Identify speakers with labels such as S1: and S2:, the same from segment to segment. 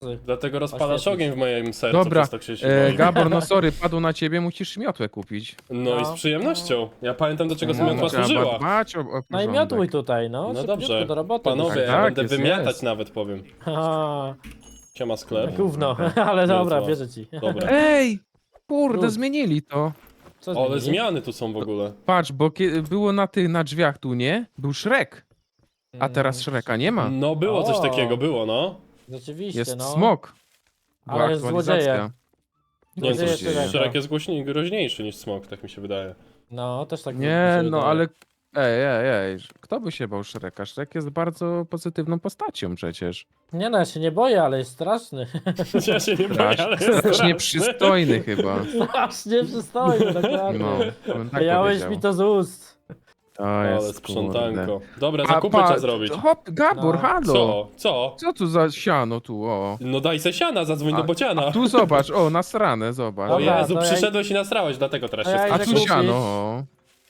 S1: Dlatego rozpalasz
S2: Oświetlić.
S1: ogień w moim sercu,
S3: Dobra,
S1: przez to Krzysiu boi.
S3: Gabor, no sorry, padło na ciebie, musisz miotłę kupić.
S1: No i z
S2: No.
S1: przyjemnością. Ja pamiętam, do czego
S3: No,
S1: miotła
S3: trzeba
S1: służyła.
S3: dbać o
S2: No i
S3: porządek.
S2: miotłuj tutaj, no.
S1: No
S2: Szybciutko
S1: dobrze.
S2: do roboty.
S1: Panowie, ja
S3: Tak,
S1: będę
S3: jest,
S1: wymiatać
S3: jest.
S1: nawet, powiem.
S2: Haha,
S1: Siema sklep.
S2: gówno, ale dobra,
S1: Miotła.
S2: wierzę ci.
S1: Dobra.
S3: Ej! Kurde,
S2: Lud.
S3: zmienili to.
S2: Co
S1: Ale
S2: zmienili?
S1: zmiany tu są w ogóle.
S3: Patrz, bo było na drzwiach tu, nie? Był Shrek. A teraz Shreka nie ma.
S1: No było coś
S2: O.
S1: takiego, było no.
S2: Rzeczywiście,
S3: Jest
S2: no.
S3: smok. Była
S2: Ale jest
S3: aktualizacja.
S2: złodzieje.
S1: Nie wiem,
S2: Złodzieje
S1: coś
S2: Shreka.
S1: Shrek jest groźniejszy niż smok, tak mi się wydaje.
S2: No, też tak mi
S3: Nie,
S2: się
S3: no
S2: wydaje.
S3: ale... Ej, kto by się bał Shreka? Shrek jest bardzo pozytywną postacią przecież.
S2: Nie no, ja się nie boję, ale jest straszny.
S1: Ja się nie boję, ale jest
S3: Strasznie
S1: straszny.
S3: przystojny chyba.
S2: Strasznie przystojny, dokładnie.
S3: No, to bym tak
S2: Wyjąłeś
S3: powiedział.
S2: mi to z ust.
S3: To
S1: Ale
S3: jest,
S1: sprzątanko.
S3: kurde.
S1: Dobra,
S3: A,
S1: zakupy trzeba zrobić.
S3: Hop, Gabor,
S2: No.
S3: halo!
S1: Co? Co?
S3: Co tu za siano tu, o?
S1: No daj se siana, zadzwoń do bociana.
S3: Tu zobacz, o, nasrane, zobacz.
S1: O
S2: Dobra,
S1: Jezu,
S2: to ja-
S1: przyszedłeś i nasrałeś, dlatego teraz
S2: to
S1: się
S2: ja
S3: A
S2: idę
S3: tu
S1: skarżysz.
S2: kupić.
S3: siano, o.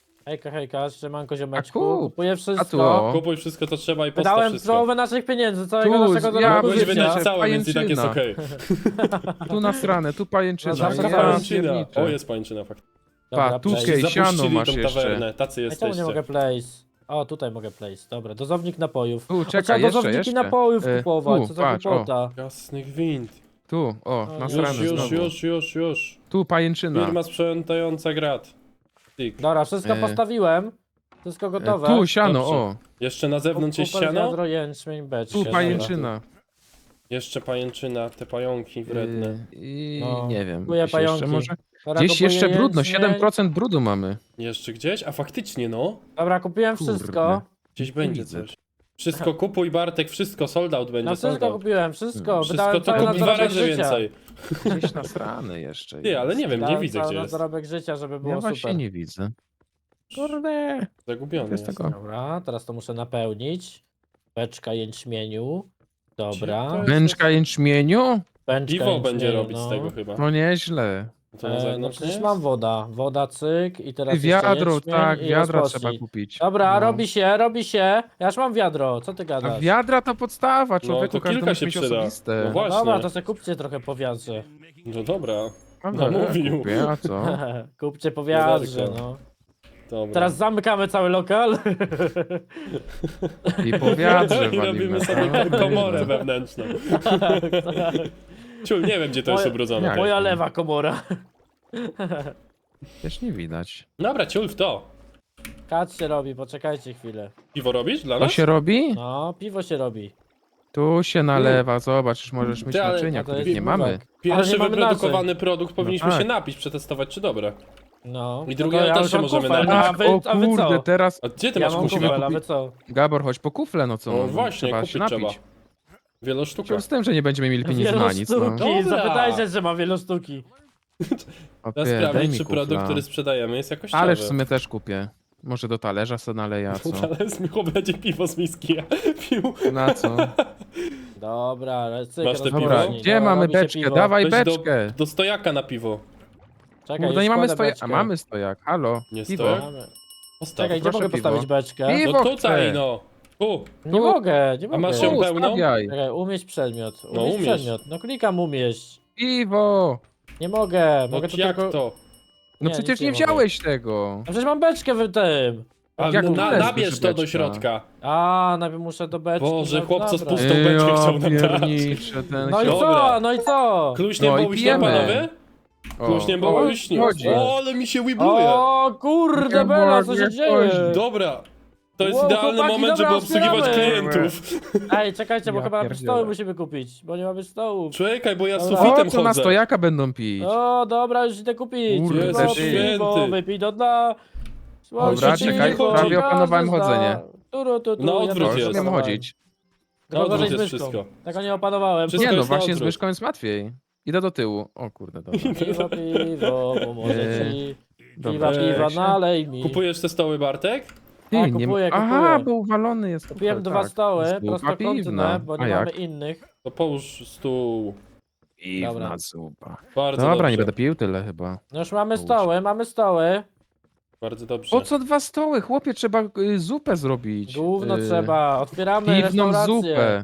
S2: Hejka, siemanko ziomeczku.
S3: A kup.
S2: Kupuję
S3: A tu,
S2: wszystko.
S3: o.
S1: Kupuj wszystko, co trzeba i postaw
S2: Wydałem
S1: wszystko.
S2: połowę naszych pieniędzy, całego
S3: Tu,
S2: naszego
S3: ja
S2: dorobku
S1: Mogłeś
S3: bym
S2: życia.
S1: wydać całe, więc i tak jest
S3: pajęczyna.
S1: okej.
S3: Tu nasrane, tu pajęczyna.
S2: No, zawsze
S3: Ja
S1: Pajęczyna.
S3: pierniczę.
S1: O, jest pajęczyna, fakt.
S2: Dobra,
S3: Pa, tu
S2: place.
S3: Ej, siano
S1: Zapuścili
S3: masz
S1: tą
S3: jeszcze.
S1: tawernę, tacy
S2: Ej, czemu nie
S1: jesteście.
S2: mogę place? O, tutaj mogę place. Dobra, dozownik napojów.
S3: Tu,
S2: O,
S3: czekaj,
S2: trzeba
S3: jeszcze,
S2: dozowniki
S3: jeszcze.
S2: napojów
S3: E,
S2: kupować,
S3: tu,
S2: co za
S3: patrz, o.
S2: głupota.
S1: Jasnych wind.
S3: Tu, o,
S2: Już,
S3: nasrane znowu.
S1: Już.
S3: Tu pajęczyna.
S1: Firma sprzątająca grat. Tik.
S2: Dobra, wszystko postawiłem. Wszystko gotowe.
S3: Tu, siano,
S1: Dobrze.
S3: o.
S1: Jeszcze na zewnątrz jest
S2: Kuper,
S1: siano?
S2: wiadro, jęczmień, beczka.
S3: Tu
S2: Dobra.
S3: pajęczyna.
S1: Jeszcze pajęczyna, te pająki wredne.
S3: I
S2: No,
S3: nie wiem.
S2: kupuję
S3: gdzieś jeszcze
S2: pająki.
S3: może?
S2: Dobra,
S3: Gdzieś
S2: kupuję
S3: jeszcze brudno,
S2: jęczmień.
S3: 7% brudu mamy.
S1: Jeszcze gdzieś? A faktycznie no.
S2: Dobra, kupiłem
S3: Kurde.
S2: wszystko.
S1: Gdzieś będzie
S3: widzę.
S1: coś. Wszystko kupuj Bartek, wszystko, sold out będzie,
S2: No
S1: sold
S2: wszystko
S1: out.
S2: kupiłem, wszystko.
S1: Wszystko
S2: Wydałem
S1: to
S2: cały
S1: kup
S2: na
S1: dwa
S2: dorobek
S1: razy
S2: życia.
S1: więcej.
S3: Gdzieś nasrane jeszcze.
S1: Ty, ale nie wiem, nie
S2: Wydałem
S1: widzę
S2: cały
S1: gdzie
S2: na
S1: jest.
S2: dorobek życia, żeby było
S3: Ja właśnie
S2: super.
S3: nie widzę. Kurde.
S1: Zagubiony
S3: Jest
S1: jest.
S3: tego.
S2: Dobra, teraz to muszę napełnić. Beczka jęczmieniu. Dobra.
S1: Gdzie to
S3: Bęczka jęczmieniu?
S2: Beczka
S1: Piwo będzie
S2: jęczmieniu,
S1: robić
S2: no.
S1: z tego chyba.
S3: No nieźle.
S1: To na
S2: No
S1: zewnątrz
S2: przecież
S1: nie
S2: mam
S1: jest?
S2: woda. Woda, cyk i teraz jeszcze
S3: Wiadro,
S2: jęczmień
S3: tak,
S2: i
S3: wiadra
S2: rozpocznij.
S3: trzeba kupić.
S2: Dobra,
S3: No.
S2: robi się, robi się. Ja już mam wiadro, co ty
S3: A
S2: gadasz?
S3: wiadra to podstawa, człowieku,
S1: to
S3: każdy
S1: kilka
S3: musi
S1: się
S3: mieć
S1: przyda.
S3: osobiste.
S1: No właśnie.
S2: Dobra, to sobie kupcie trochę po wiadrze.
S1: No dobra,
S3: Dobra,
S1: mówił.
S3: kupię, a co?
S2: Kupcie po wiadrze,
S1: Wiaderko.
S2: no.
S1: dobra.
S2: Teraz zamykamy cały lokal.
S3: I po wiadrze
S1: I
S3: walimy.
S1: robimy sobie
S3: tak?
S1: komorę wewnętrzną. Ciul, nie wiem gdzie to jest
S2: Moje-
S1: ubrudzone.
S3: Jak?
S2: Moja lewa komora.
S3: Też nie widać.
S1: Dobra, ciul w to.
S2: Kat się robi, poczekajcie chwilę.
S1: Piwo robisz dla
S3: To
S1: nas?
S3: się robi?
S2: No, piwo się robi.
S3: Tu się nalewa, zobacz, już możesz mieć
S1: Ty, ale-
S3: naczynia,
S2: a to
S3: których
S2: jest
S3: nie mamy.
S2: piwek. Ale
S1: Pierwszy
S2: nie mamy
S1: wyprodukowany produkt powinniśmy
S3: No tak.
S1: się napić, przetestować czy dobre.
S2: No.
S1: I drugie
S2: to
S1: też
S2: już
S1: się
S2: mam
S1: możemy
S2: kufel,
S1: napić.
S2: A wy,
S3: O
S2: a wy co?
S3: kurde, teraz...
S1: A gdzie ty
S2: Ja
S1: masz
S2: mam
S3: musimy
S1: kufel?
S2: kufel, a wy
S3: kupić-
S2: co?
S3: Gabor, chodź po kufle, no co?
S1: No
S3: no,
S1: właśnie,
S3: trzeba
S1: kupić
S3: się
S1: trzeba.
S3: napić.
S1: Wielosztuka.
S3: Czemu z tym, że nie będziemy mieli pieniędzy na nic, no.
S2: Wielosztuki,
S1: Dobra.
S2: zapytajcie, że ma wielosztuki.
S3: Opie,
S1: Trzeba
S3: daj
S1: sprawdzić,
S3: mi
S1: czy
S3: kufla.
S1: produkt, który sprzedajemy jest jakościowy.
S3: Ależ w sumie też kupię. Może do talerza se naleję, a co?
S1: Ale z Micho będzie piwo z miski, ja pił.
S3: Na co?
S2: Dobra, ale cyk,
S1: Masz te
S3: Dobra,
S2: rozpocznij.
S3: gdzie
S2: Dobra,
S3: mamy
S2: robi się
S3: beczkę?
S2: piwo.
S3: Dawaj
S1: Weź
S3: beczkę!
S1: do stojaka na piwo.
S2: Czekaj,
S3: Kurde,
S2: już
S3: nie mamy
S2: kładę
S3: stojaka.
S2: beczkę.
S3: A mamy stojak, halo.
S1: Nie
S3: Piwo.
S1: stojak?
S2: Mamy.
S1: Postaw.
S2: Czekaj, gdzie
S3: proszę
S2: mogę
S3: piwo.
S2: postawić beczkę?
S3: Piwo.
S1: No tutaj
S3: chcę.
S1: no. Tu.
S2: Nie mogę, nie
S1: A
S2: mogę.
S1: masz ją
S3: Tu,
S1: pełną?
S3: stawiaj.
S2: Czekaj, umieść przedmiot.
S1: No,
S2: Umieść
S1: umieść.
S2: przedmiot. No klikam umieść.
S3: Piwo!
S2: Nie mogę,
S1: No
S2: mogę to
S1: jak
S2: tylko...
S1: to?
S3: No
S2: Nie,
S3: przecież
S2: nic nie
S3: nie
S2: mogę.
S3: wziąłeś tego.
S2: A przecież mam beczkę w tym.
S1: A
S3: Jak
S1: na,
S3: wlezłeś
S1: nabierz
S3: do
S1: to do
S3: beczka?
S1: środka.
S2: A, najpierw muszę do beczki.
S1: Boże,
S2: no,
S1: chłopco z
S2: dobra.
S1: pustą beczkę chciał nam dać.
S3: piernicze, ten
S2: No i
S3: środek.
S1: Dobra.
S2: co, no i co?
S1: Kluśnie
S3: No i
S1: było śnią,
S3: pijemy.
S1: panowie?
S3: O,
S1: Kluśnie było
S3: o,
S1: śnią.
S3: chodzi.
S1: O, ale mi się wibruje.
S2: O kurde,
S3: Nie
S2: Bela, co
S3: mogę
S2: się dzieje?
S3: chodzić.
S1: Dobra. To jest
S2: Wow,
S1: idealny
S2: chłopaki,
S1: moment,
S2: dobra,
S1: żeby obsługiwać
S2: otwieramy.
S1: klientów.
S2: Ej, czekajcie, bo
S3: Ja
S2: chyba
S3: pierdzielę.
S2: stoły musimy kupić, bo nie mamy stołów.
S1: Czekaj, bo ja z
S2: Dobra.
S1: sufitem
S3: O, co na
S1: chodzę.
S3: stojaka będą pić?
S2: O, dobra, już idę kupić.
S3: Kurde,
S2: Piwo,
S1: Jezus
S2: piwo,
S1: święty.
S2: wypij do dna.
S3: Dobra,
S1: czekaj, prawie
S3: opanowałem chodzenie.
S1: Na odwrót
S3: Już
S1: jest.
S3: umiem chodzić.
S1: Na
S2: No,
S1: odwrót
S2: gorzej z
S1: jest
S2: myszką.
S1: wszystko.
S2: Tego nie opanowałem.
S1: Wszystko
S3: Nie no,
S1: jest na
S3: właśnie z
S1: odwrót.
S3: myszką jest łatwiej. Idę do tyłu. O kurde, dobra.
S2: Piwo, piwo, pomoże ci.
S3: Dobra.
S2: Piwa,
S1: Weź.
S2: nalej mi.
S1: Kupujesz te stoły, Bartek?
S3: Ty,
S2: A,
S3: nie
S2: kupuję,
S3: ma- Aha,
S2: kupuję.
S3: bo uwalony jest.
S2: Kupiłem
S3: kufel,
S2: dwa
S3: tak.
S2: stoły,
S3: Zupa
S2: prostokątne,
S3: piwna.
S2: bo
S3: A
S2: nie
S3: jak?
S2: mamy innych.
S1: To połóż stół.
S3: Piwna
S2: Dobra.
S3: zupa.
S1: Bardzo
S3: Dobra,
S1: dobrze.
S3: nie będę pił tyle chyba.
S2: No już mamy
S3: Połóż.
S2: stoły, mamy stoły.
S1: Bardzo dobrze.
S3: Po co dwa stoły? Chłopie, trzeba zupę zrobić.
S2: Gówno trzeba, otwieramy
S3: Piwną
S2: restaurację.
S3: zupę.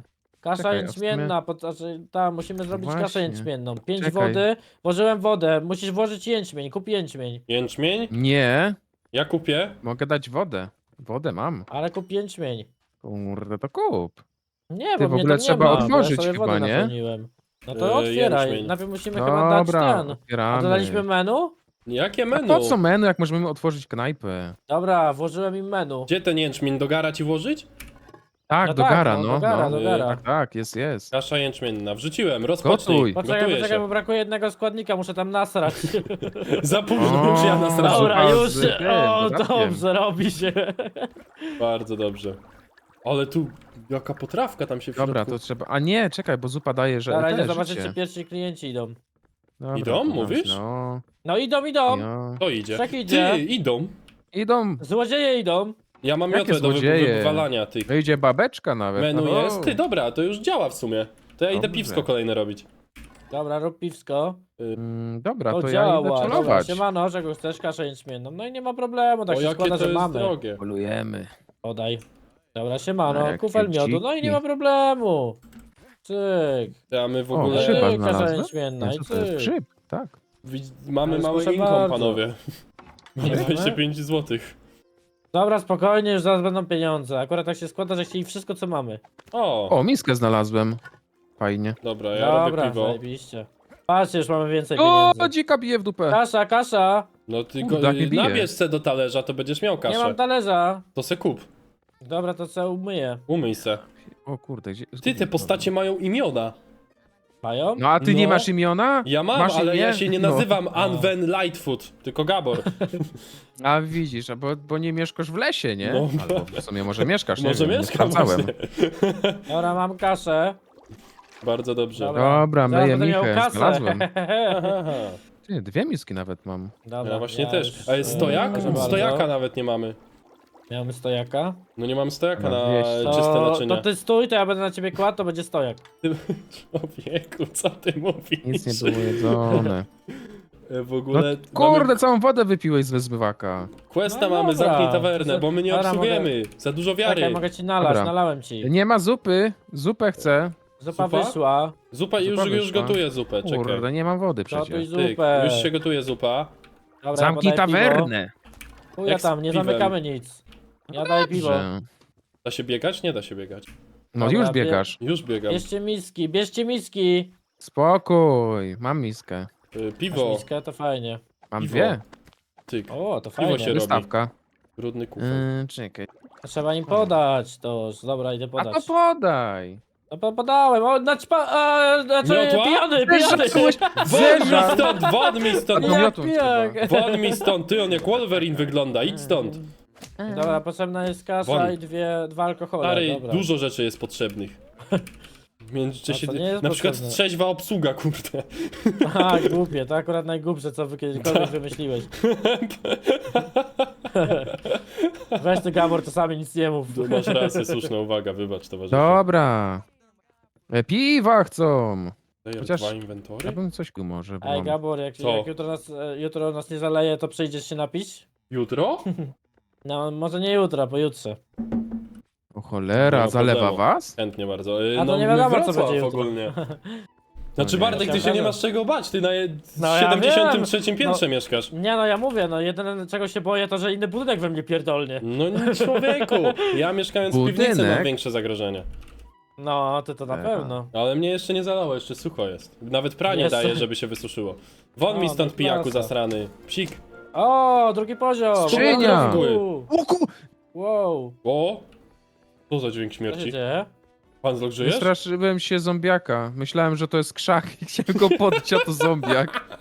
S2: Kasza
S3: Czekaj, a w
S2: jęczmienna, znaczy, tam musimy zrobić kaszę
S3: Właśnie.
S2: jęczmienną. 5
S3: Czekaj.
S2: wody, włożyłem wodę, musisz włożyć jęczmień, kup jęczmień.
S1: Jęczmień?
S3: Nie,
S1: Ja kupię.
S3: mogę dać wodę. Wodę mam.
S2: Ale kup jęczmień.
S3: Kurde, to kup.
S2: Nie,
S3: Ty,
S2: bo
S3: w
S2: mnie
S3: ogóle
S2: to
S3: trzeba
S2: nie ma, bo
S3: otworzyć
S2: ja sobie
S3: chyba,
S2: wodę
S3: nie?
S2: napełniłem. No to otwieraj,
S1: jęczmień.
S2: najpierw musimy chyba dać
S3: Dobra,
S2: ten. A
S3: otwieramy.
S2: dodaliśmy menu?
S1: Jakie
S3: A
S1: menu?
S3: po co menu, jak możemy otworzyć knajpę?
S2: Dobra, włożyłem im menu.
S1: Gdzie ten jęczmień? Do gara ci włożyć?
S3: Tak,
S2: No
S3: do
S2: tak,
S3: gara,
S2: no,
S3: no.
S2: do gara,
S3: no.
S2: do gara.
S3: Tak, tak, jest.
S1: Kasza jęczmienna. Wrzuciłem, rozpocznij.
S3: Gotuj.
S2: Poczekaj,
S1: Gotuję
S2: poczekaj,
S1: się.
S2: bo brakuje jednego składnika, muszę tam nasrać.
S1: Za późno już ja
S3: O,
S1: nasrałem.
S2: Dobra, już,
S3: Ty,
S2: o,
S3: dodatkiem.
S2: dobrze, robi się.
S1: Bardzo dobrze. Ale tu jaka potrawka tam się w
S3: Dobra,
S1: środku...
S3: to trzeba... A nie, czekaj, bo zupa daje, że
S2: Dobra, idę
S3: też
S2: zobaczyć,
S3: życie.
S2: czy pierwsi klienci idą.
S3: Dobra,
S1: Idą,
S3: to tam
S1: mówisz?
S3: się, No,
S2: No idą.
S1: To idzie.
S2: Wszak idzie.
S1: Ty, idą.
S3: idą.
S2: Złodzieje idą.
S1: Ja mam
S3: Jakie
S1: miotłę do
S3: złodzieje?
S1: wywalania tych.
S3: Wyjdzie babeczka nawet.
S1: Menu
S3: no.
S1: jest. Ty, dobra, to już działa w sumie. To ja idę
S3: Dobrze.
S1: piwsko kolejne robić.
S2: Dobra, rób piwsko.
S3: Dobra,
S2: O,
S3: to ja
S2: działa.
S3: idę
S2: Dobra,
S3: celować.
S2: siemano, czego chcesz? Kaszę jęczmienną. No i nie ma problemu, tak
S1: O,
S2: się
S1: jakie
S2: składa,
S1: to
S2: że
S1: jest
S2: mamy.
S1: drogie.
S3: Polujemy.
S2: Podaj. Dobra,
S3: A,
S2: siemano,
S3: jakie
S2: kufel miodu. No i nie
S3: dziki.
S2: ma problemu. Cyk.
S1: Ty, a my w
S3: O,
S1: ogóle
S3: grzyba
S2: Cyk, kasza
S3: znalazłem.
S2: jęczmienna i
S3: Co to jest?
S2: cyk.
S3: Grzyb, tak.
S1: mamy
S2: Ale
S1: mały
S2: proszę
S1: income,
S2: bardzo.
S1: panowie. Mamy
S2: Mamy?
S1: 25 zł.
S2: Dobra, spokojnie, już zaraz będą pieniądze. Akurat tak się składa, że chcieli wszystko, co mamy.
S1: O,
S3: O, miskę znalazłem. Fajnie.
S1: dobra, ja robię
S2: Dobra,
S1: piwo.
S2: zajebiście. Patrzcie, już mamy więcej
S3: O,
S2: pieniędzy.
S3: dzika bije w dupę.
S2: Kasza.
S1: No ty
S3: Kurde,
S1: go,
S3: jak mnie bije.
S1: nabierz se do talerza, to będziesz miał
S2: Nie
S1: kaszę.
S2: mam talerza.
S1: To se kup.
S2: Dobra, to co umyję.
S1: Umyj se.
S3: O kurde, gdzie...
S1: Ty, te postacie mają imiona.
S2: Mają?
S3: No a ty nie
S1: No.
S3: masz imiona?
S1: Ja mam,
S3: Masz
S1: ale
S3: imię?
S1: ja się nie
S3: No.
S1: nazywam Anwen Lightfoot, tylko Gabor.
S3: A widzisz, bo nie mieszkasz w lesie, nie?
S1: No.
S3: Albo w sumie może mieszkasz, nie
S1: Może
S3: wiem, nie
S1: mieszkam
S3: sprawdzałem.
S1: właśnie.
S2: Dobra, mam kaszę.
S1: Bardzo dobrze.
S3: Dobra,
S2: Zaraz
S3: myję
S2: będę miał
S3: michę,
S2: kasę.
S3: znalazłem.
S1: Aha.
S3: Ty, 2 miski nawet mam.
S2: Dobra,
S1: Ja właśnie
S2: ja
S1: też.
S2: już,
S1: A jest stojak?
S2: proszę bardzo.
S1: Stojaka nawet nie mamy.
S2: Mamy stojaka.
S1: No nie mamy stojaka
S3: No,
S1: na
S3: wieś.
S1: czyste naczynia.
S2: To ty stój, to ja będę na ciebie kładł, to będzie stojak.
S1: Człowieku, co ty mówisz?
S3: Nic nie było jedzone.
S1: W
S3: No,
S1: ogóle
S3: kurde,
S1: mamy
S3: całą wodę wypiłeś z wyzbywaka.
S1: questa,
S2: No
S1: mamy
S2: dobra.
S1: zamknij tawernę, bo my nie
S2: Dobra,
S1: obsługujemy. Za dużo
S2: Czekaj,
S1: wiary.
S2: mogę ci nalać,
S3: Dobra.
S2: nalałem ci.
S3: Nie ma zupy, zupę chcę.
S2: Zupa
S1: Zupa?
S2: wyszła.
S1: Zupa, już
S3: Zupa wyszła.
S1: gotuję zupę, czekaj.
S3: Kurde, nie mam wody
S2: Gotuj
S3: przecież.
S1: Tyk,
S2: zupę.
S1: już się gotuje zupa.
S2: Dobra,
S3: Zamknij
S2: podaj piwo.
S3: tawernę.
S2: Chuja
S1: Jak z
S2: tam, nie
S1: piwem.
S2: zamykamy nic. Ja daję piwo.
S3: Dobrze.
S1: Da się biegać? Nie da się biegać.
S3: No
S2: Dobra,
S3: już biegasz.
S1: Już biegam.
S2: Bierzcie miski.
S3: Spokój, mam miskę.
S2: Masz
S1: Piwo,
S2: miskę, to fajnie.
S3: Mam
S1: Piwo.
S3: 2.
S1: tyk.
S2: O, to
S1: Piwo
S2: fajnie.
S1: się robi.
S3: Wystawka.
S1: Brudny kufel.
S3: Czekaj.
S2: Trzeba im podać to. Dobra, idę
S3: A
S2: podać.
S3: to podaj.
S2: No podałem, o, znaczy
S1: Miotła?
S2: pijany.
S1: Won mi stąd!
S3: A to miotą
S2: pijak.
S3: trzeba.
S1: Won mi stąd! Ty, on jak Wolverine wygląda, idź stąd!
S2: Dobra, potrzebna jest kasza
S1: Won.
S2: i dwa alkohole.
S1: Stary,
S2: Dobra.
S1: dużo rzeczy jest potrzebnych. W międzyczasie,
S2: A to nie jest
S1: na przykład
S2: potrzebne.
S1: trzeźwa obsługa, kurde.
S2: Aha, głupie, to akurat najgłupsze, co kiedykolwiek wymyśliłeś. Weź ty, Gabor, czasami nic nie mów.
S1: Tu masz rację, słuszna uwaga, wybacz towarzyszu.
S3: Dobra. Piwa chcą.
S1: Daję
S3: chociaż-
S1: dwa inwentory?
S3: Ja bym coś może, bo
S2: Ej,
S3: mam...
S2: Gabor,
S1: Co?
S2: jak jutro nas nie zaleje, to przyjdziesz się napić?
S1: Jutro?
S2: No, może nie jutro, pojutrze.
S3: O cholera,
S1: Nie ma
S3: zalewa
S1: problemu.
S3: was?
S1: Chętnie bardzo.
S2: A to nie wiadomo, co
S1: Wrocław
S2: będzie jutro.
S1: ogólnie. Znaczy
S3: nie.
S1: Bartek, ty się nie masz czego bać, ty na
S2: No ja
S1: 73
S2: wiem.
S1: piętrze mieszkasz.
S2: Nie no, ja mówię, no jedyne czego się boję, to że inny budynek we mnie pierdolnie.
S1: No nie, człowieku, ja mieszkając w piwnicy
S3: Budynek?
S1: mam większe zagrożenie.
S2: No, ty to na
S3: Aha.
S2: pewno.
S1: Ale mnie jeszcze nie zalało, jeszcze sucho jest. Nawet pranie
S2: Jeszcze?
S1: daje, żeby się wysuszyło. Won mi
S2: O,
S1: stąd
S2: no
S1: pijaku
S2: klasa.
S1: zasrany. Psik.
S2: O, drugi poziom!
S3: Skrzynia.
S2: Wow,
S1: O! Co za dźwięk
S2: co się
S1: śmierci?
S2: dzieje?
S1: Pan Zlok, żyjesz?
S3: Wystraszyłem się zombiaka. Myślałem, że to jest krzak i chciałem go podbić, a to zombiak.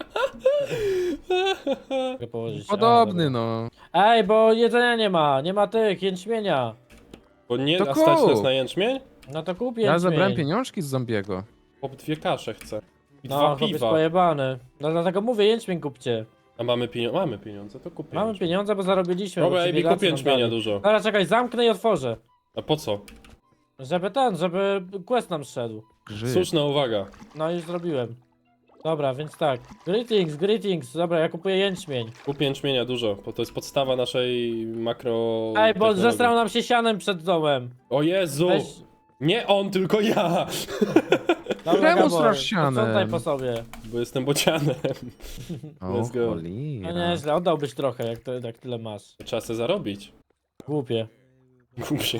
S2: Mogę położyć.
S3: Podobny,
S2: A,
S3: no.
S2: dobra. Ej, bo jedzenia nie ma tych, jęczmienia.
S1: Bo nie,
S3: To
S1: a stać
S3: kup.
S1: nas na jęczmień?
S2: No to kup
S3: Ja
S2: jęczmień.
S3: zabrałem pieniążki z zombiego.
S1: Po 2 kasze chcę. I
S2: No,
S1: 2
S2: chłop jest
S1: piwa.
S2: pojebany. No dlatego mówię, jęczmień kupcie.
S1: A mamy pieniądze, to kupię.
S2: Mamy pieniądze, bo zarobiliśmy.
S1: Dobra,
S2: bo ci
S1: Ebi,
S2: biedacy
S1: kup
S2: nam
S1: jęczmienia
S2: dali.
S1: dużo.
S2: Dobra, czekaj, zamknę i otworzę.
S1: A po co?
S2: Żeby quest nam szedł.
S3: Grzyb.
S1: Słuszna uwaga.
S2: No już zrobiłem. Dobra, więc tak. Greetings. Dobra, ja kupuję jęczmień.
S1: Kup jęczmienia dużo, bo to jest podstawa naszej makro...
S2: Ej, bo
S1: technologii.
S2: zestrał nam się sianem przed domem.
S1: O Jezu!
S2: Weź,
S1: Nie on, tylko ja.
S2: Dobra,
S3: Czemu
S2: Gabor,
S3: strasz sianem?
S2: posprzątaj po sobie.
S1: Bo jestem bocianem.
S3: O,
S1: Let's go.
S2: No
S3: cholera.
S2: nieźle, oddałbyś trochę, jak tyle masz.
S1: Trzeba se zarobić.
S2: Głupie.
S1: Głupie.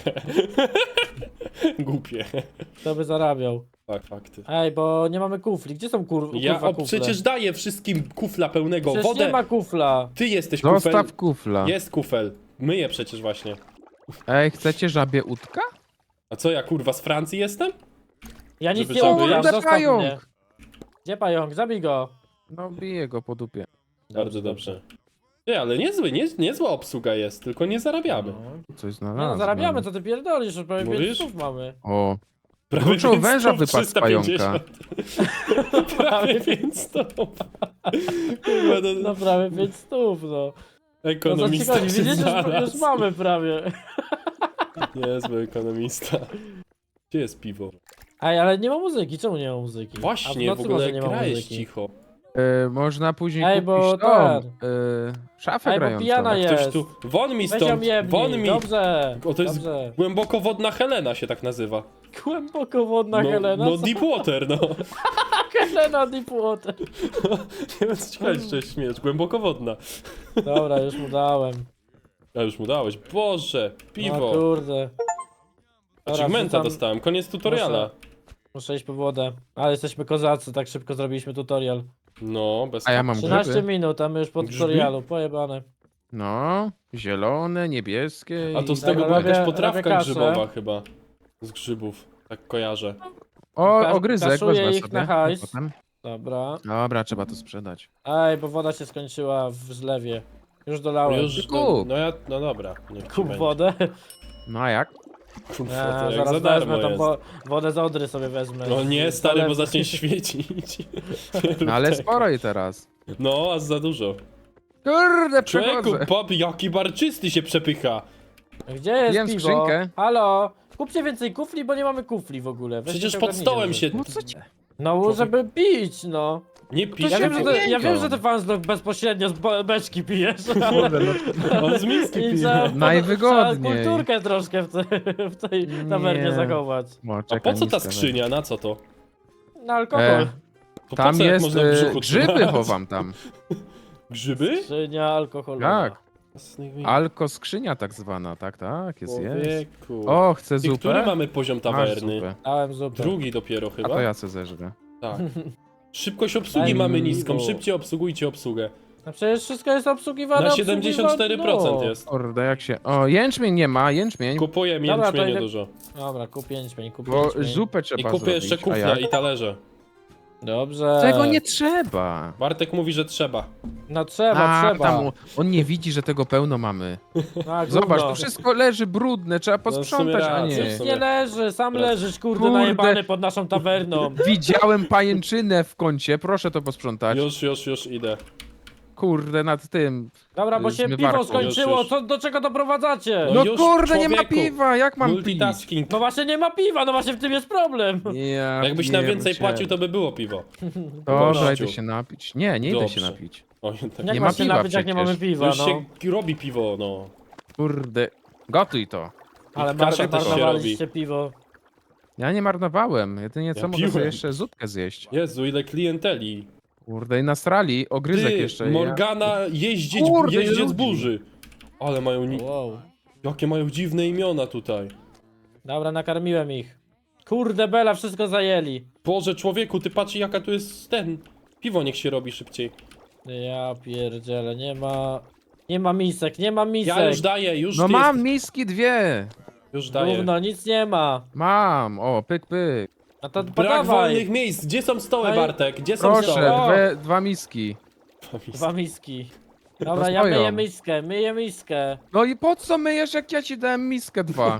S1: Głupie.
S2: Kto by zarabiał?
S1: Fakty.
S2: Ej, bo nie mamy kufli. Gdzie są
S1: Ja
S2: kurwa kufle?
S1: przecież daję wszystkim kufla pełnego.
S2: Przecież
S1: Wodę.
S2: nie ma kufla.
S1: Ty jesteś kufel.
S3: Zostaw kufla.
S1: Jest kufel. Myję przecież właśnie.
S3: Ej, chcecie żabie udka?
S1: A co ja kurwa z Francji jestem?
S2: Ja nic
S1: Żeby
S2: nie
S1: żaby
S2: umiem,
S1: jeść?
S2: zostaw
S3: Pająk.
S2: mnie. Gdzie pająk? Zabij go.
S3: No biję go po dupie.
S1: Bardzo dobrze. Nie, ale niezła obsługa jest, tylko nie zarabiamy.
S3: Coś
S2: Nie
S3: znalazłem.
S2: no, zarabiamy, co ty pierdolisz, już prawie
S1: Mówisz?
S2: 5 stów mamy.
S3: O,
S1: Prawie
S3: Kluczoł
S1: 500,
S3: węża wypadł z
S1: 350. Prawie 500. Kurwa,
S2: No prawie 5 stów, no. No co ci
S1: ekonomista
S2: chodzi?
S1: się
S2: Widzisz, już
S1: znalazł.
S2: mamy prawie.
S1: Niezły ekonomista. Gdzie jest piwo?
S2: Ej, ale nie ma muzyki, czemu nie ma muzyki? A
S1: Właśnie, w
S2: nocy
S1: ogóle
S2: może nie ma
S1: gra jest
S2: muzyki.
S1: cicho.
S3: można później
S2: Ej,
S3: kupić
S2: bo
S3: tą,
S2: ten.
S3: szafę
S2: Ej, bo
S3: grającą.
S2: pijana
S1: Ktoś
S2: jest.
S1: tu... Won mi
S2: Weź ją
S1: stąd!
S2: jebnij.
S1: Won mi!
S2: Dobrze,
S1: O, to jest
S2: dobrze.
S1: głębokowodna Helena się tak nazywa.
S2: Głębokowodna
S1: No,
S2: Helena?
S1: no
S2: Co?
S1: Deepwater, no.
S2: Helena Deepwater.
S1: Nie wiem, co ci chodzi, czy śmiesz. Głębokowodna.
S2: Dobra, już mu dałem.
S1: A już mu dałeś. Boże,
S2: No
S1: piwo.
S2: kurde. Dobra,
S1: Achievementa
S2: wrzucam-
S1: dostałem, koniec tutoriala.
S2: Muszę iść po wodę. Ale jesteśmy kozacy, tak szybko zrobiliśmy tutorial.
S1: No, bez
S3: A ja mam
S2: 13
S3: grzyby.
S2: minut, a my już po
S1: Grzbi?
S2: tutorialu, pojebane.
S3: No, zielone, niebieskie
S1: A to
S3: i...
S1: z tego
S2: Dobra,
S1: była jakaś
S2: robię
S1: potrawka
S2: kasę.
S1: grzybowa chyba. Z grzybów, tak kojarzę.
S3: O, ogryzek,
S2: kaszuję
S3: wezmę
S2: ich
S3: sobie.
S2: na hajs.
S3: Potem.
S2: Dobra.
S3: Dobra, trzeba to sprzedać.
S2: Ej, bo woda się skończyła w zlewie. Już dolałem.
S1: Już,
S3: kup.
S1: no dobra. Niech ci
S2: Kup
S1: będzie.
S2: wodę.
S3: No a jak?
S1: Kurwa,
S2: Ja,
S1: to jak
S2: zaraz
S1: za darmo
S2: wezmę tą
S1: jest.
S2: wodę z Odry sobie wezmę.
S1: No nie, stary, bo
S2: Zalew-
S1: zacznie świecić.
S3: No ale sporo i teraz.
S1: No, a za dużo.
S3: Kurde,
S1: Człowieku,
S3: przechodzę.
S1: pop, jaki barczysty się przepycha.
S2: Gdzie jest
S3: Jem
S2: piwo?
S3: skrzynkę.
S2: Halo? Kupcie więcej kufli, bo nie mamy kufli w ogóle. Weźcie
S1: Przecież
S2: się
S1: pod
S2: ogarnijcie
S1: stołem
S2: może.
S1: się...
S3: No co ci...
S2: No, żeby pić, no.
S1: Nie pisz,
S2: Ja
S3: się
S2: wiem, że ty, ja
S3: wymienią.
S2: wiem, że ty Fansdog bezpośrednio z beczki pijesz,
S3: Kurde, no,
S1: on z miski
S2: i
S1: pije.
S2: trzeba,
S3: Najwygodniej.
S2: trzeba kulturkę troszkę w tej tawernie
S3: Nie.
S2: zachować.
S3: no,
S1: A
S3: czekaj,
S1: po co ta
S3: miskę
S1: skrzynia, na co to?
S2: Na alkohol.
S1: To
S3: Tam
S1: po co, jak
S3: jest
S1: można w brzuchu
S3: grzyby
S1: trzymać?
S3: chowam tam.
S1: Grzyby?
S2: Skrzynia alkoholowa.
S3: Tak.
S1: Jasnych
S3: Alko skrzynia tak zwana, tak, jest.
S1: Człowieku.
S3: O, chcę
S1: I
S3: zupę?
S1: który mamy poziom
S3: Masz
S1: tawerny?
S3: zupę.
S2: Dałem zupę.
S1: Drugi dopiero
S3: A
S1: chyba?
S3: to ja se zeżrę.
S1: Tak. Szybkość obsługi
S2: Daj
S1: mamy
S2: mi
S1: niską,
S2: piwo.
S1: szybciej obsługujcie obsługę.
S2: No przecież wszystko jest obsługiwane.
S1: Na
S2: obsługiwane,
S1: 74%
S2: no.
S1: jest.
S3: Kurde, jak się... O, jęczmień nie ma, jęczmień.
S1: Kupuję
S2: Dobra, to
S1: jęczmienie
S2: idę-
S1: dużo.
S2: Dobra, kup pięćmień, kup
S3: Bo
S2: pięćmień.
S3: zupę
S1: I
S3: trzeba
S1: kupię
S3: zrobić.
S1: jeszcze
S3: A
S1: kufle
S3: jak?
S1: i talerze.
S2: Dobrze.
S3: Tego nie trzeba.
S1: Bartek mówi, że trzeba.
S2: No trzeba,
S3: A,
S2: trzeba.
S3: tam on nie widzi, że tego pełno mamy.
S2: A,
S3: Zobacz,
S2: gówno.
S3: to wszystko leży brudne, trzeba posprzątać, a
S1: racja,
S3: nie.
S1: w sumie.
S2: Nie leży, sam
S1: Teraz-
S2: leżysz, kurde,
S3: Kurde.
S2: najebany pod naszą tawerną.
S3: Widziałem pajęczynę w kącie, proszę to posprzątać.
S1: Już idę.
S3: Kurde, nad tym.
S2: Dobra, bo się
S3: Zmywarką.
S2: piwo skończyło,
S1: Już.
S2: Co, do czego doprowadzacie?
S1: No
S3: No
S1: już,
S3: kurde, nie ma
S1: człowieku.
S3: piwa, jak mam pić?
S1: Multitasking.
S2: No właśnie nie ma piwa, no właśnie w tym jest problem.
S3: Ja
S1: Jakbyś nam więcej
S3: pierdzielę.
S1: płacił, to by było piwo.
S3: Dobra,
S1: Gościu.
S3: idę się napić. Nie, nie idę się
S1: Dobrze.
S3: napić.
S1: Oj, tak.
S2: Jak
S3: Nie ma
S2: masz się
S3: piwa
S2: napić, jak nie
S3: przecież.
S2: mamy
S1: To
S2: piwa,
S1: już
S2: no.
S1: się robi piwo, no.
S3: Kurde, gotuj to.
S2: Ale
S1: kasza też się
S2: marnowaliście piwo.
S3: Ja nie marnowałem, jedynie co
S1: Ja
S3: mogę sobie
S1: piłem.
S3: jeszcze zupkę zjeść.
S1: Jezu, ile klienteli.
S3: Kurde, i nastrali, ogryzek
S1: Ty,
S3: jeszcze.
S1: Morgana, jeździec
S3: Kurde, ile ludzi.
S1: burzy. Ale mają...
S2: Wow.
S1: Jakie mają dziwne imiona tutaj.
S2: Dobra, nakarmiłem ich. Kurde bela, wszystko zajęli.
S1: Boże, człowieku, ty patrz jaka tu jest ten... Piwo niech się robi szybciej.
S2: Ja pierdzielę, nie ma... Nie ma misek, nie ma misek.
S1: Ja już daję, już
S3: No
S1: ty
S3: mam
S1: jest-
S3: miski dwie.
S1: Już daję.
S2: Gówno, nic nie ma.
S3: Mam, o, pyk, pyk.
S2: No to
S1: Brak
S2: podawaj.
S1: wolnych miejsc. Gdzie są stoły,
S2: No i-
S1: Bartek? Gdzie są
S3: Proszę,
S1: stoły?
S2: O!
S3: dwa miski.
S2: Dwa miski. Dobra,
S3: To
S2: ja
S3: stoją.
S2: myję miskę.
S3: No i po co myjesz, jak ja ci dałem miskę dwa?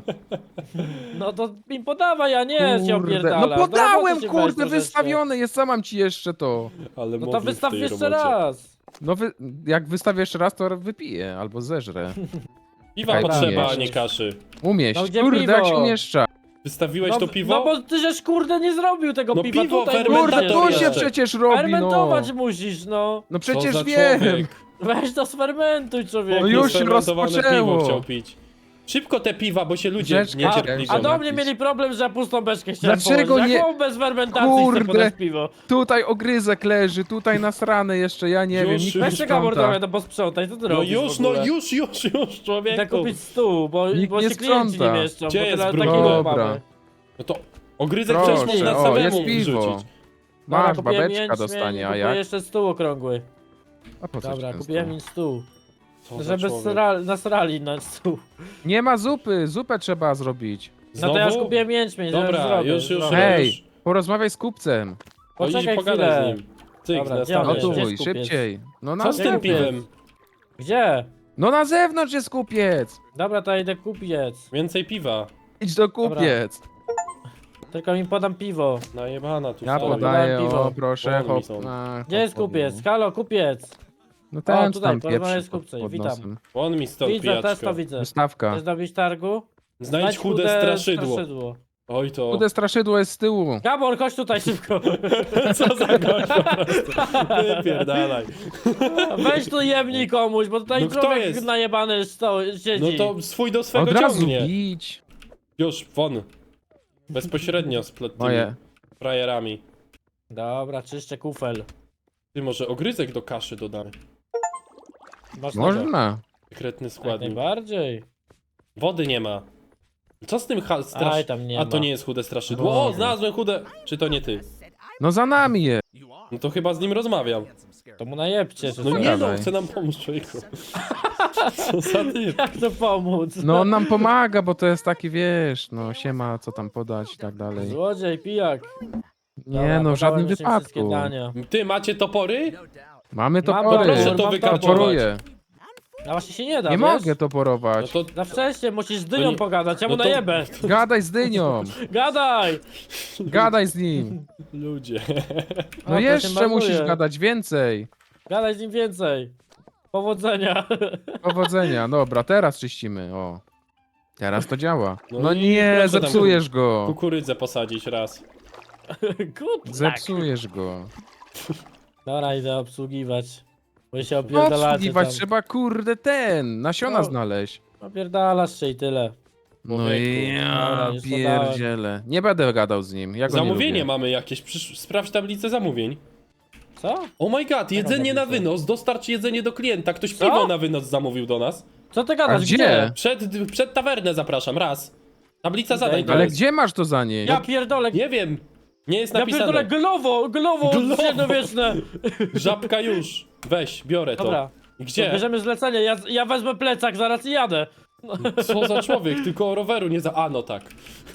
S2: No to mi podawaj, a nie się
S3: Kurde,
S2: opierdala.
S3: no podałem,
S2: Do roboty się weź
S3: kurde,
S2: troszeczkę.
S3: wystawione jest, co mam ci jeszcze to?
S1: Ale
S2: No to
S1: mowy w
S2: wystaw
S1: tej
S2: jeszcze
S1: robocie.
S2: raz.
S3: No jak wystawię jeszcze raz, to wypiję, albo zeżrę.
S1: Piwa
S3: Czekaj,
S1: potrzeba, a
S2: umieść.
S1: nie kaszy.
S3: Umieść,
S2: No gdzie
S3: kurde,
S2: piwo?
S3: jak się umieszcza.
S1: Wystawiłeś
S2: No,
S1: to piwo?
S2: no bo ty żeś kurde nie zrobił tego
S1: No
S2: piwa
S1: piwo,
S2: tutaj.
S1: fermentator
S3: Kurde,
S2: musisz.
S3: to się
S1: jeszcze.
S3: przecież robi, no.
S2: Fermentować musisz, no.
S3: No
S1: Co
S3: przecież
S1: za
S3: wiem.
S1: człowiek?
S2: Weź to sfermentuj, człowieku.
S3: No już
S1: Fermentowane
S3: rozpoczęło.
S1: piwo chciał pić. Szybko te piwa, bo się ludzie
S3: Beczka,
S1: niecierpliwią.
S2: A do
S3: Jakiś.
S2: mnie mieli problem, że ja pustą beczkę chciałem
S3: Dlaczego
S2: położyć.
S3: nie-
S2: Jaką bez fermentacji
S3: Kurde.
S2: chcę podać piwo?
S3: Tutaj ogryzek leży, tutaj nasrane jeszcze, ja nie
S1: Już,
S3: wiem, nikt
S1: już.
S3: nie
S2: Weź się Gabor
S3: sprząta.
S2: trochę to posprzątaj, co ty
S1: No
S2: robisz
S1: już,
S2: w ogóle?
S1: już, człowieku.
S2: Idę kupić stół, bo
S3: Nikt
S2: się
S3: nie
S2: klienci
S3: sprząta.
S2: nie mieszczą,
S1: Gdzie
S2: bo
S1: jest
S2: tyle
S1: brud?
S2: takiego
S3: Dobra.
S2: mamy.
S1: No to ogryzek
S3: Proszę,
S1: przecież można
S3: o,
S1: samemu
S3: jest piwo.
S1: wrzucić.
S2: Dobra,
S3: Masz,
S2: kupiłem
S3: babeczka
S2: jęczmień
S3: dostanie,
S2: i
S3: a
S2: kupuję
S3: jak?
S2: jeszcze stół okrągły.
S3: A po co
S2: Dobra,
S3: ci
S2: kupiłem
S3: często?
S2: im stół.
S1: Co za
S2: Żeby
S1: człowiek.
S2: nasrali na stół.
S3: Nie ma zupy, zupę trzeba zrobić.
S2: No to ja już
S1: Znowu?
S2: kupiłem jęczmień,
S1: Dobra,
S2: zrobię,
S1: już.
S2: zrobię.
S3: Hej, porozmawiaj z kupcem.
S1: No idź
S2: Poczekaj
S1: pogadaj
S2: chwilę.
S1: z nim. Cyk,
S2: Dobra,
S1: na
S2: gdzie on
S1: stanie.
S2: jest?
S3: Gotuj,
S2: Gdzie jest kupiec?
S3: szybciej. No na
S1: Co z tym
S2: kupiec?
S1: piwem?
S2: Gdzie?
S3: No na zewnątrz jest kupiec.
S2: Dobra, to idę kupiec.
S1: Więcej piwa.
S3: Idź do kupiec.
S2: Tylko mi podam piwo.
S1: Najebana tu
S3: Ja
S1: stoi.
S3: podaję,
S2: Podałem piwo.
S3: o proszę,
S1: Podaj mi
S3: hop.
S1: są.
S3: Gdzie
S2: Gdzie jest kupiec? Halo, kupiec!
S3: No ten
S2: tutaj,
S3: tam
S2: porozmawiaj
S3: pieprzy
S2: z kupcem,
S3: pod
S2: witam.
S3: nosem.
S1: On mi stąd
S2: Widzę, też
S1: pijaczka.
S2: to widzę.
S3: Wystawka.
S2: Chcesz dobić targu?
S1: Znajdź chude straszydło. Oj to.
S3: Chude straszydło jest z tyłu.
S2: Gabor, chodź tutaj szybko.
S1: Co za gość po prostu. Wypierdalaj.
S2: Weź tu jebnij komuś, bo tutaj
S1: No kto
S2: człowiek
S1: jest?
S2: najebany siedzi.
S1: No to swój do swego
S3: Od razu
S1: ciągnie.
S3: bić.
S1: Już, won. Bezpośrednio z tymi
S3: Moje.
S1: frajerami.
S2: Dobra, czyszczę kufel.
S1: Ty może ogryzek do kaszy dodamy.
S2: Masz na to.
S3: Można.
S1: Sekretny
S2: Jak
S1: składnik.
S2: najbardziej.
S1: Wody nie ma. Co z tym
S2: Aj, tam nie
S1: A
S2: ma.
S1: to nie jest chude straszydło. O,
S3: Boże.
S1: znalazłem chude. Czy to nie ty?
S3: No za nami je.
S1: No to chyba z nim rozmawiam.
S2: To mu najebcie, czy
S1: No
S2: co?
S1: nie no,
S3: Dawaj.
S1: chce nam pomóc, człowieku. Co za typ?
S2: Jak to pomóc?
S3: No on nam pomaga, bo to jest taki, wiesz, no siema, co tam podać i tak dalej.
S2: Złodziej, pijak.
S3: Nie
S2: Dobra,
S3: no, w żadnym
S2: podałem już im wszystkie
S3: wypadku.
S2: dania.
S1: Ty macie topory?
S3: Mamy
S2: Mam
S3: topory.
S2: topór,
S1: Proszę to
S2: mam
S1: wykarczować.
S3: Toporuję.
S2: A właśnie się nie da,
S3: Nie
S2: wiesz?
S3: mogę
S1: No
S3: toporować.
S1: to
S2: Za wcześnie, musisz z
S1: To
S2: dynią
S1: nie-
S2: pogadać, ja mu
S1: no to-
S2: najebę.
S3: Gadaj z dynią.
S2: Gadaj!
S3: Gadaj z nim.
S1: ludzie.
S3: No
S2: O, to się
S3: jeszcze
S2: marnuje.
S3: musisz gadać więcej.
S2: Gadaj z nim więcej. Powodzenia.
S3: Powodzenia. Dobra, teraz czyścimy. O. Teraz to działa.
S1: No
S3: No
S1: i
S3: nie,
S1: proszę tam
S3: zepsujesz go.
S1: Kukurydzę posadzić raz.
S2: Good luck.
S3: Zepsujesz go.
S2: Dobra, idę obsługiwać. Bo się opierdalacie
S3: Obsługiwać
S2: tam.
S3: trzeba, kurde, nasiona
S2: No.
S3: znaleźć.
S2: Opierdalasz się i tyle.
S3: No
S1: Człowieku.
S3: i ja
S2: Dobra, już
S3: pierdzielę. Nie będę gadał z nim. Ja go
S1: Zamówienie
S3: nie lubię.
S1: mamy jakieś. Sprawdź tablicę zamówień.
S2: Co?
S1: Oh my god, jedzenie na
S2: tablicę?
S1: wynos. Dostarcz jedzenie do klienta. Ktoś
S2: Co?
S1: piwo na wynos zamówił do nas.
S2: Co ty
S3: A
S2: gadasz?
S3: gdzie?
S1: Przed tawernę zapraszam, raz. Tablica zadań to
S3: Ale
S1: jest.
S3: gdzie masz to zanieść?
S2: Ja pierdolę.
S1: Nie wiem. Nie jest
S2: Ja pierdolę
S1: napisane.
S2: glowo
S1: Glowo!
S2: średniowieczne.
S1: Żabka już. Weź, biorę to.
S2: Dobra.
S1: I gdzie?
S2: Bierzemy zlecenie, ja wezmę plecak zaraz i jadę.
S1: Co za człowiek, tylko o roweru nie za... A, no tak.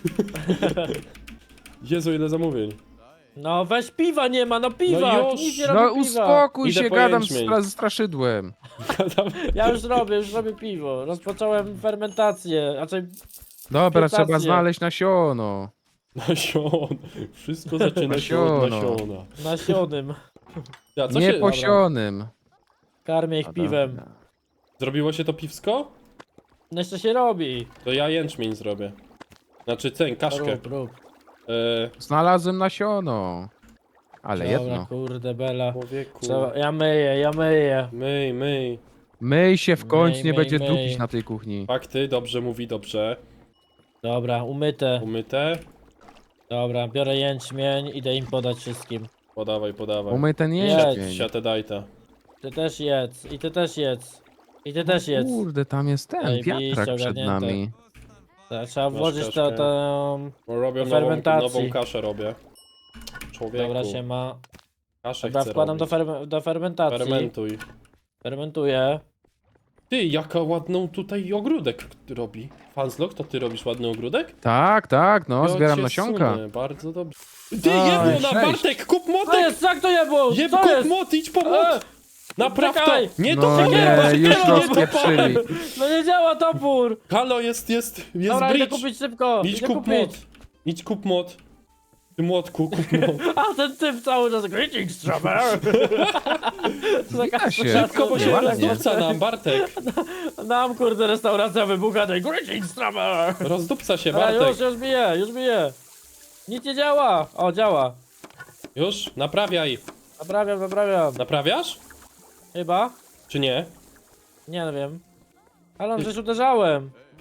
S1: Jezu, ile zamówień.
S2: No weź piwa nie ma, no piwa!
S1: No już.
S2: Nikt nie
S3: No
S2: robi piwa.
S3: uspokój
S1: Idę
S3: się,
S1: po
S3: gadam
S1: jęczmień.
S3: ze straszydłem.
S2: Ja już robię piwo. Rozpocząłem fermentację, raczej
S3: Dobra,
S2: Fermentację.
S3: trzeba znaleźć nasiono.
S1: Nasion. Wszystko zaczyna się od
S3: Nasiono.
S1: nasiona.
S2: nasionym.
S1: Ja, co się...
S3: Nieposionym.
S2: Karmię ich piwem.
S1: Zrobiło się to piwsko?
S2: No jeszcze się robi.
S1: To ja jęczmień zrobię. Znaczy ceń, kaszkę.
S2: Rób.
S3: Znalazłem nasiono. Ale
S2: Dobra,
S3: jedno.
S2: kurde bela.
S1: Człowieku.
S2: Trzeba, ja myję.
S1: Myj.
S3: Myj się w końcu,
S2: Myj,
S3: nie
S2: myj,
S3: będzie
S2: myj.
S3: dupić na tej kuchni.
S1: Fakty, dobrze mówi, dobrze.
S2: Dobra, umyte.
S1: Umyte.
S2: Dobra, biorę jęczmień, idę im podać wszystkim.
S1: Podawaj.
S3: Umyj ten
S2: Jedz.
S3: jęczmień.
S1: Siatę dajta.
S2: Ty też jedz, i ty też jedz. I ty też jedz.
S3: Kurde, tam jest ten
S2: Zajebiście
S3: wiatrak przed
S2: ogarnięte.
S3: nami.
S2: Trzeba włożyć to,
S1: kaszkę.
S2: to...
S1: Robię
S2: Do fermentacji.
S1: nową kaszę robię. Człowieku.
S2: Dobra, się ma.
S1: Kaszę
S2: Dobra,
S1: chcę
S2: wkładam
S1: robić.
S2: do fermentacji.
S1: Fermentuj.
S2: Fermentuję.
S1: Ty, jaka ładną tutaj ogródek robi. Fanslog, to ty robisz ładny ogródek?
S3: Tak, no,
S1: Ja
S3: zbieram
S1: cię
S3: nasionka.
S1: sunę, bardzo dobrze. Ty,
S3: Oj,
S1: jebło na
S3: 6.
S1: Bartek, kup
S2: Co
S1: motek!
S2: jest? Jak to jebło?
S1: Jeb,
S2: Co
S1: kup
S2: jest?
S1: mot, idź po mot! Napraw to!
S2: czekaj.
S1: Nie
S3: No
S1: to
S3: nie, już
S1: to
S3: rozpieprzyli.
S2: No nie działa topór!
S1: Halo, jest
S2: Dobra, idę
S1: bridge.
S2: kupić szybko.
S1: Idź
S2: Idę
S1: kup
S2: kupić.
S1: mot. Idź kup mot. Ty młotku, kup mot.
S2: A ten typ cały czas greetings, Trevor!
S3: Wita się.
S1: Szybko, bo się
S3: Ładnie.
S1: rozdupca nam, Bartek.
S2: Nam kurde restauracja wybucha tej greetings, Trevor!
S1: Rozdupca się,
S2: A
S1: Bartek.
S2: już bije. Nic nie działa. O, działa.
S1: Już? Naprawiaj.
S2: Naprawiam.
S1: Naprawiasz?
S2: Chyba?
S1: Czy nie?
S2: Nie wiem. Ale on przecież uderzałem.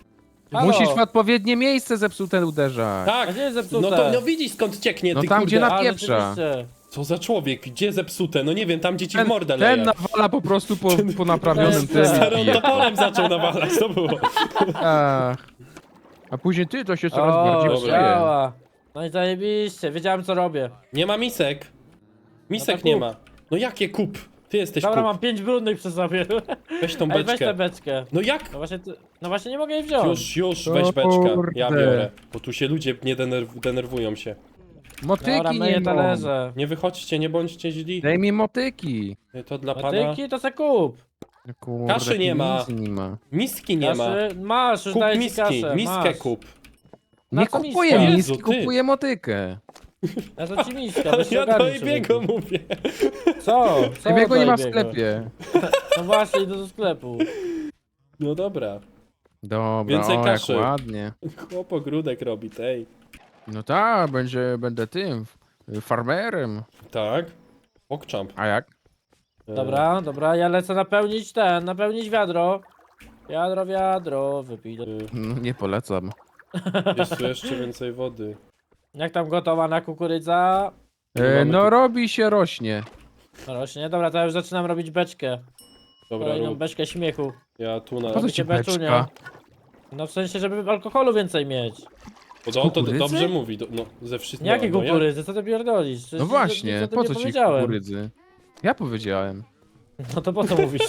S2: Halo?
S3: Musisz w odpowiednie miejsce zepsute uderzać.
S2: A
S1: Tak,
S2: gdzie jest zepsute?
S1: no to no widzisz skąd cieknie,
S3: No
S1: ty
S3: tam,
S1: kurde.
S3: gdzie na
S2: A,
S3: pieprza.
S2: rzeczywiście.
S1: Co za człowiek, gdzie zepsute? No nie wiem, tam gdzie ci w mordę leje.
S3: Ten nawala po prostu po naprawionym
S2: Ten
S3: tym.
S1: Starą
S3: i pije.
S1: toporem zaczął nawalać, to było.
S3: Ach. A później ty to się coraz
S2: O,
S3: bardziej
S1: Dobra.
S3: psuje.
S2: działa. No i zajebiście, wiedziałem co robię.
S1: Nie ma misek. Misek
S2: No to
S1: nie
S2: kup.
S1: ma. No jakie kup? Ty jesteś
S2: Dobra,
S1: kup.
S2: mam 5 brudnych przy sobie.
S1: Weź tą
S2: Ej, weź tę
S1: beczkę.
S2: beczkę.
S1: No jak?
S2: No właśnie nie mogę jej wziąć.
S1: Już,
S3: O
S1: weź beczkę. Ja
S3: kurde.
S1: biorę. Bo tu się ludzie nie denerwują się.
S2: Dobra,
S3: Motyki
S2: myję
S3: nie mam.
S2: talerze.
S1: Nie wychodźcie, nie bądźcie źli.
S3: Daj mi motyki.
S1: To dla pana.
S2: Patyki to se kup.
S3: Kurde,
S1: Kaszy nie ma.
S3: nic nie ma.
S1: Miski nie ma.
S2: Kaszy, masz, już
S1: Kup
S2: daję ci
S1: miski,
S2: kasę.
S1: miskę
S2: masz.
S1: kup.
S2: Na
S3: Nie
S2: co
S3: kupuję
S2: miska?
S1: Jezu,
S3: miski,
S1: ty.
S3: kupuję motykę.
S2: Ja to ci miska,
S1: Ale
S2: weź się
S1: ja do
S2: ogarnij,
S1: Ebiego
S2: człowieku.
S1: mówię.
S2: Co? Co
S3: Jego nie ma w
S2: Dajbiego?
S3: sklepie.
S2: No właśnie, idę do sklepu.
S1: No dobra.
S3: Dobra,
S1: Więcej
S3: o
S1: kaszy.
S3: jak ładnie.
S1: Chłop ogródek robi, tej.
S3: No tak, będę tym, farmerem.
S1: Tak. Pokczamp.
S3: A jak?
S2: Dobra, dobra, ja lecę napełnić wiadro. Wiadro, wypij.
S3: No, nie polecam.
S1: Jest tu jeszcze więcej wody.
S2: Jak tam gotowana kukurydza?
S1: Mamy
S3: No
S1: tu-
S3: robi się, rośnie.
S2: Rośnie, dobra, to ja już zaczynam robić beczkę.
S1: Dobra,
S2: Kolejną
S1: rób.
S2: beczkę śmiechu.
S1: Ja tu na...
S3: Po co
S2: Robicie
S3: ci beczka?
S2: No w sensie, żeby alkoholu więcej mieć.
S1: Bo to on to
S3: kukurydzy?
S1: dobrze mówi. No, ze wszystkim.
S2: Jakie
S1: no, ja-
S2: kukurydzy, co ty pierdolisz? Przecież
S3: No właśnie,
S2: nic o tym
S3: po
S2: nie
S3: co ci
S2: powiedziałem.
S3: kukurydzy? Ja powiedziałem.
S2: No to po co mówisz?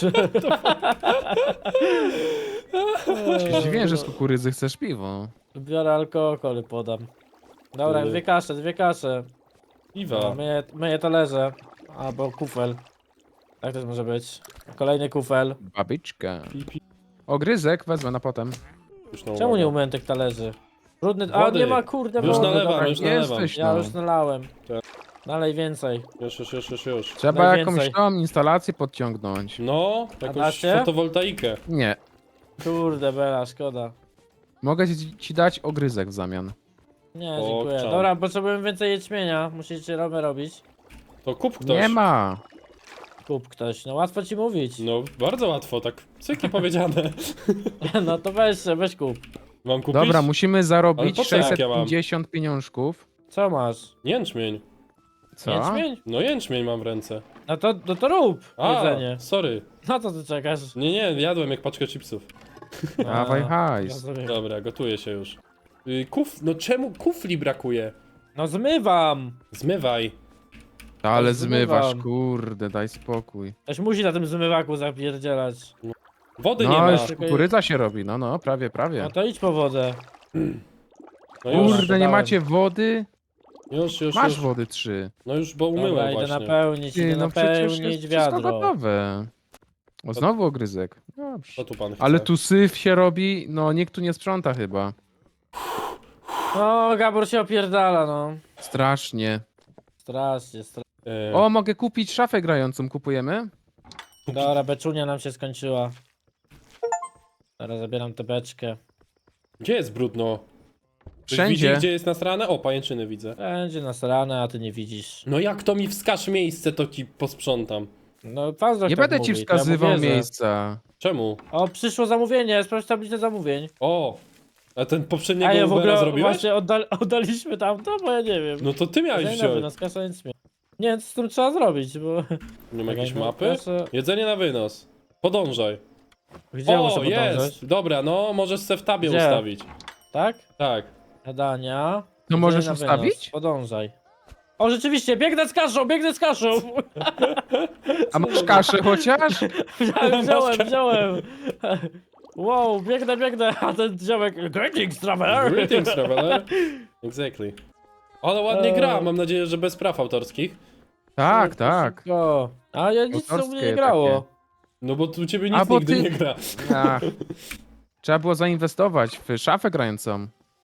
S3: Się dziwię, że z kukurydzy chcesz piwo.
S2: Biorę alkohol i podam. Dobra, dwie kasze.
S1: Piwa.
S2: Myję talerze. Albo kufel. Tak też może być. Kolejny kufel.
S3: Babyczka.
S1: Pi.
S3: Ogryzek wezmę na potem.
S1: Już na
S2: Czemu
S1: uwagę.
S2: nie umyłem tych talerzy? Brudny... A
S1: Wody.
S2: nie ma kurde
S1: Już
S2: wody,
S1: nalewam,
S2: dobra.
S1: już nalewam.
S3: Jesteś
S2: Ja
S3: no.
S2: już nalałem.
S1: Tak.
S2: Dalej więcej.
S1: Już.
S3: Trzeba
S2: Najwięcej.
S3: jakąś tam instalację podciągnąć.
S1: No, jakąś
S2: dacie?
S1: fotowoltaikę.
S3: Nie.
S2: Kurde bela, szkoda.
S3: Mogę ci dać ogryzek w zamian.
S2: Nie,
S1: O,
S2: dziękuję.
S1: czam.
S2: Dobra, potrzebujemy więcej jęczmienia. Musicie robić.
S1: To kup ktoś.
S3: Nie ma.
S2: Kup ktoś. No łatwo ci mówić.
S1: No, bardzo łatwo, tak cyki powiedziane.
S2: No to weź kup.
S1: Mam kupić?
S3: Dobra, musimy
S1: Ale
S3: zarobić
S1: po co jak ja mam?
S3: 650 pieniążków.
S2: Co masz?
S1: Jęczmień.
S3: Co?
S2: Jęczmień?
S1: No jęczmień mam w ręce.
S2: No to rób
S1: A,
S2: jedzenie.
S1: sorry.
S2: Na co ty czekasz?
S1: Nie, jadłem jak paczkę chipsów.
S3: Dawaj hajs.
S2: rozumiem.
S1: Dobra, gotuję się już. No czemu kufli brakuje?
S2: No zmywam!
S1: Zmywaj.
S3: Ale
S2: zmywam.
S3: zmywasz, kurde, daj spokój.
S2: Ktoś musi na tym zmywaku zapierdzielać.
S1: Wody nie
S3: No,
S1: ma.
S3: już kukurydza się robi, no, prawie.
S2: No to idź po wodę.
S1: No już,
S3: Kurde, nie
S2: dodałem.
S3: macie wody?
S1: już.
S3: Masz wody 3.
S1: No już, bo umyłem
S2: Dobra, idę
S1: właśnie.
S2: napełnić,
S3: Ty,
S2: idę
S3: no przecież jest
S2: napełnić
S3: wszystko
S2: wiadro.
S3: gotowe. O, znowu ogryzek. Dobrze.
S1: Co tu pan chce?
S3: Ale tu syf się robi, no nikt tu nie sprząta chyba.
S2: No, Gabor się opierdala, no.
S3: Strasznie.
S2: Strasznie.
S3: O, mogę kupić szafę grającą, kupujemy?
S2: Dobra, beczunia nam się skończyła. Teraz zabieram tę beczkę.
S1: Gdzie jest brudno? Ktoś
S3: Wszędzie.
S1: Widzi, gdzie jest nasrane? O, pajęczyny widzę.
S2: Będzie nasrane, a ty nie widzisz.
S1: No jak to mi wskaż miejsce, to ci posprzątam.
S2: No, pan
S3: Nie
S2: tak
S3: będę ci
S2: mówi, to ja mu
S3: wskazywał
S2: wierzę.
S3: miejsca.
S1: Czemu?
S2: O, przyszło zamówienie, sprawdź tablicę zamówień.
S1: O! A ten poprzedniego
S2: A ja w
S1: Ubera
S2: ogóle
S1: zrobiłeś?
S2: właśnie oddaliśmy tamto, bo ja nie wiem.
S1: No to ty miałeś
S2: Jedzenie na
S1: wziąć.
S2: wynos, kasa nic mnie. Nie, co z tym trzeba zrobić, bo...
S1: Nie ma jakiejś
S2: Czekaj, no,
S1: mapy?
S2: proszę.
S1: Jedzenie na wynos. Podążaj.
S2: Gdzie
S1: O,
S2: muszę podążać?
S1: jest! Dobra, no możesz se w tabie
S2: Gdzie?
S1: ustawić.
S2: Tak?
S1: Tak.
S2: Jadania.
S3: To
S2: Jedzenie
S3: możesz
S2: na wynos.
S3: ustawić?
S2: Podążaj. O, rzeczywiście, biegnę z kaszą!
S3: A masz kaszę chociaż?
S2: Wziąłem. Wow, biegnę, a ten ziomek... Greetings, traveler!
S1: Greetings, traveler. Exactly. Ale ładnie gra, mam nadzieję, że bez praw autorskich.
S3: Tak, tak.
S2: Szybko. A ja nic u mnie
S3: Autorskie
S2: nie grało.
S1: No bo tu u ciebie
S3: A
S1: nic
S3: bo
S1: nigdy
S3: ty-
S1: nie gra.
S3: Ach. Trzeba było zainwestować w szafę grającą.